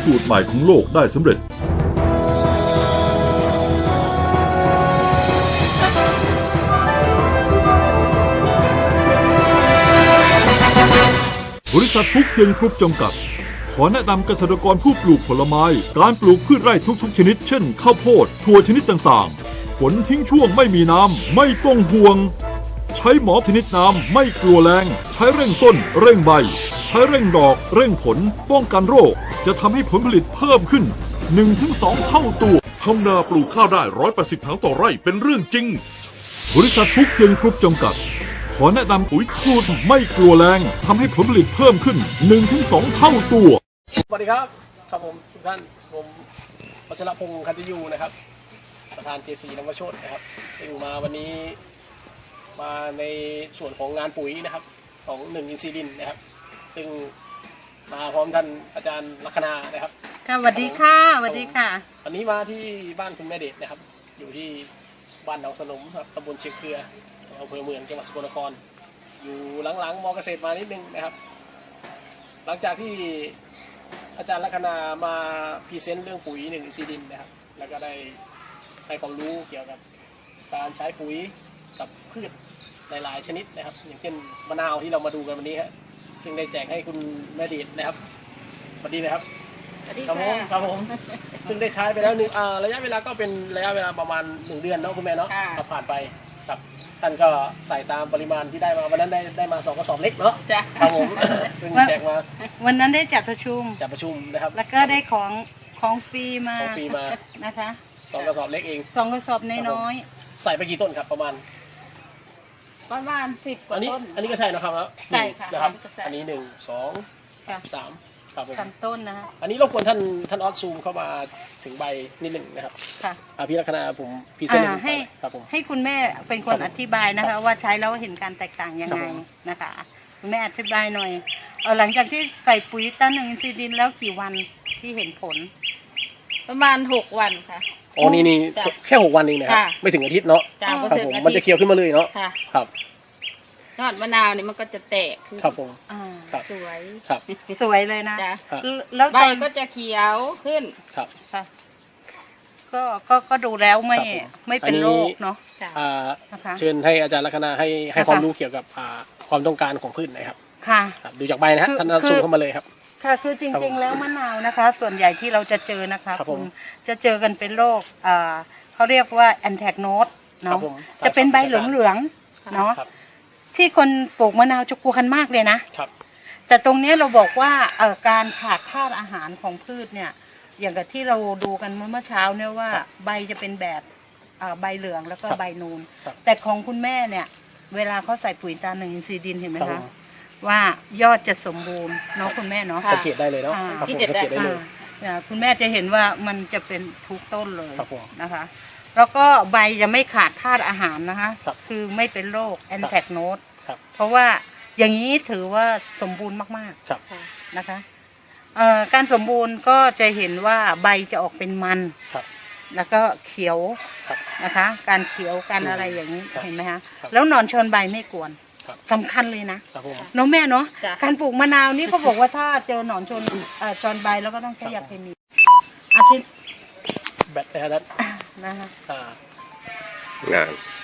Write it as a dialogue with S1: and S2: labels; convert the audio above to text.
S1: สูตรใหม่ของโลกได้สำเร็จบริษัทฟุกเทียนกรุ๊ปจำกัดขอแนะนำเกษตรกรผู้ปลูกผลไม้การปลูกพืชไร่ทุกๆชนิดเช่นข้าวโพดถั่วชนิดต่างๆฝนทิ้งช่วงไม่มีน้ำไม่ต้องห่วงใช้หมอชนิดน้ำไม่กลัวแรงใช้เร่งต้นเร่งใบใช้เร่งดอกเร่งผลป้องกันโรคจะทำให้ผลผลิตเพิ่มขึ้น 1-2 เท่าตัว
S2: ทำนาปลูกข้าวได้180 ถังต่อไร่เป็นเรื่องจริง
S1: บริษัทฟุกเทียนกรุ๊ปจำกัดขอแนะนำปุ๋ยสูตรไม่กลัวแรงทำให้ผลผลิตเพิ่มขึ้น 1-2 เท่าตัว
S3: สวัสดีครับครับผมทุกท่านผมวัชรพงศ์คันติยูนะครับประธาน JC นวโชตินะครับซึ่งมาวันนี้มาในส่วนของงานปุ๋ยนะครับของ1 อินทรีย์ดินนะครับซึ่งมาพร้อมท่านอาจารย์ลัคนานะครับ
S4: ค่ะสวัสดีค่ะสวัสดีค่ะ
S3: วันนี้มาที่บ้านคุณแม่เดชนะครับอยู่ที่บ้านหนองสนมครับตำบลเชียงเครืออำเภอเมืองจังหวัดสกลนครอยู่หลังๆมอเกษตรมานิดนึงนะครับหลังจากที่อาจารย์ลัคนามาพรีเซนต์เรื่องปุ๋ย1 อินทรีย์ดินนะครับแล้วก็ได้ให้ความรู้เกี่ยวกับการใช้ปุ๋ยกับพืชหลายๆชนิดนะครับอย่างเช่นมะนาวที่เรามาดูกันวันนี้ฮะซึ่งได้แจกให้คุณแม่เดชนะครับสวัสดีนะครับครับผมซึ่งได้ใช้ไปแล้วระยะเวลาก็เป็นระยะเวลาประมาณ1 เดือนเนาะคุณแม่เนาะผ่านไปครับท่านก็ใส่ตามปริมาณที่ได้มาวันนั้นได้มา2 กระสอบเล็กเนาะ
S4: จ้ะ
S3: ครับผมซึ่งแจกมา
S4: วันนั้นได้จัดประชุม
S3: นะครับ
S4: แล้วก็ได้ของฟรีมานะคะ
S3: 2 กระสอบเล็กเอง
S4: 2 กระสอบน้อย
S3: ใส่ไปกี่ต้นครับประมาณ
S4: 10 กว่าต้น
S3: อันนี้ก็ใช่นะครับ
S4: ใช่ค่ะ
S3: นะครับอันนี้1 2 3ครับผม
S4: 3 ต้นนะฮะ
S3: อันนี้รบกวนท่านออสซูมเข้ามาถึงใบนิดหนึ่งนะครับ
S4: ค่ะ
S3: พี่ลัคนาผมพรีเซนต์
S4: ให้คุณแม่เป็นคนอธิบายนะคะว่าใช้แล้วเห็นการแตกต่างยังไงนะคะคุณแม่อธิบายหน่อยหลังจากที่ใส่ปุ๋ยต้น1 อินทรีย์ดินแล้วกี่วันที่เห็นผล
S5: ประมาณ6 วันค่ะ
S3: อ๋อนี่แค่6 วันเองนะครับไม่ถึงอาทิตย์เนาะครับผมมันจะเขียวขึ้นมาเลยเนาะครับ
S5: ยอดมะนาวนี่มันก็จะแตก
S3: ครับผม
S5: สวย
S3: ครับ
S4: สวยเลยนะ
S5: แล้วใบก็จะเขียวขึ้น
S3: ครับ
S4: ก็ดูแล้วไม่เป็นโรคเนาะ
S3: เชิญให้อาจารย์ลัคนาให้ความรู้เกี่ยวกับความต้องการของพืชหน่อยครับ
S4: ค่ะ
S3: ดูจากใบนะฮะท่านซูมเข้ามาเลยครับ
S4: ค่ะคือจริงๆแล้วมะนาวนะคะส่วนใหญ่ที่เราจะเจอนะคะคุณจะเจอกันเป็นโรคเขาเรียกว่าแอนแทกโนดเนาะจะเป็นใบเหลืองๆเนาะที่คนปลูกมะนาวจะกลัวกันมากเลยนะแต่ตรงนี้เราบอกว่าการขาดธาตุอาหารของพืชเนี่ยอย่างกับที่เราดูกันเมื่อเช้าเนี่ยว่าใบจะเป็นแบบใบเหลืองแล้วก็ใบนูนแต่ของคุณแม่เนี่ยเวลาเขาใส่ปุ๋ยตา1 อินทรีย์ดินเห็นไหมคะว่ายอดจะสมบูรณ์เนาะคุณแม่เนาะ
S3: สังเกตได้เลยเนาะ
S4: สังเกตได้เลยคุณแม่จะเห็นว่ามันจะเป็นทุกต้นเลยนะคะแล้วก็ใบจะไม่ขาดธาตุอาหารนะคะคือไม่เป็นโรคแอนแทกโนดเพราะว่าอย่างนี้ถือว่าสมบูรณ์มากๆนะคะการสมบูรณ์ก็จะเห็นว่าใบจะออกเป็นมันแล้วก็เขียวนะคะการเขียวการอะไรอย่างนี้เห็นไหมคะแล้วหนอนชนใบไม่กวนสำคัญเลยนะน้องแม่เนาะการปลูกมะนาวนี่เขาบอกว่าถ้าเจอหนอนชนใบแล้วก็ต้องใช้ยาเคมี
S3: แบตนะครับ
S4: นะคะ
S2: งาน